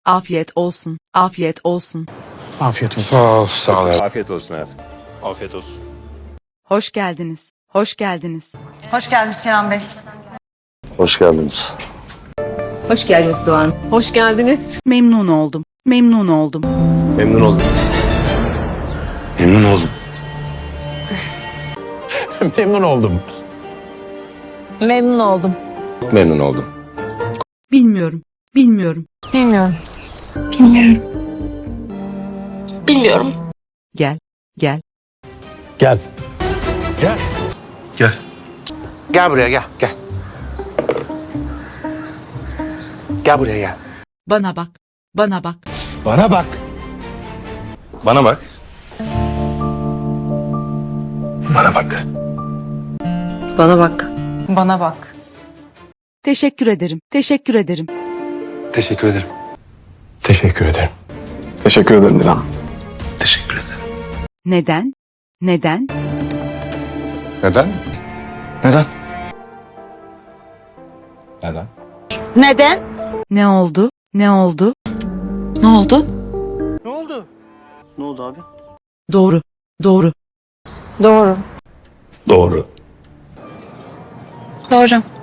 Afiyet olsun. Afiyet olsun. Afiyet olsun. Sağ ol, sağ ol. Afiyet olsun hayatım. Afiyet olsun. Hoş geldiniz. Hoş geldiniz. Hoş geldiniz Kenan Bey. Hoş geldiniz. Hoş geldiniz Doğan. Hoş geldiniz. Memnun oldum. Memnun oldum. Memnun oldum. Memnun oldum. Memnun oldum. Memnun oldum. Memnun oldum. Bilmiyorum. Bilmiyorum. Bilmiyorum. Bilmiyorum. Gel. Gel. Gel. Gel. Gel. Gel buraya gel. Gel. Gel buraya gel. Bana bak. Bana bak. Bana bak. Bana bak. Bana bak. Bana bak. Bana bak. Teşekkür ederim. Teşekkür ederim. Teşekkür ederim. Teşekkür ederim. Teşekkür ederim Dilan. Teşekkür ederim. Neden? Neden? Neden? Neden? Neden? Neden? Ne oldu? Ne oldu? Ne oldu? Ne oldu abi? Doğru. Doğru. Doğru. Doğru. Doğru.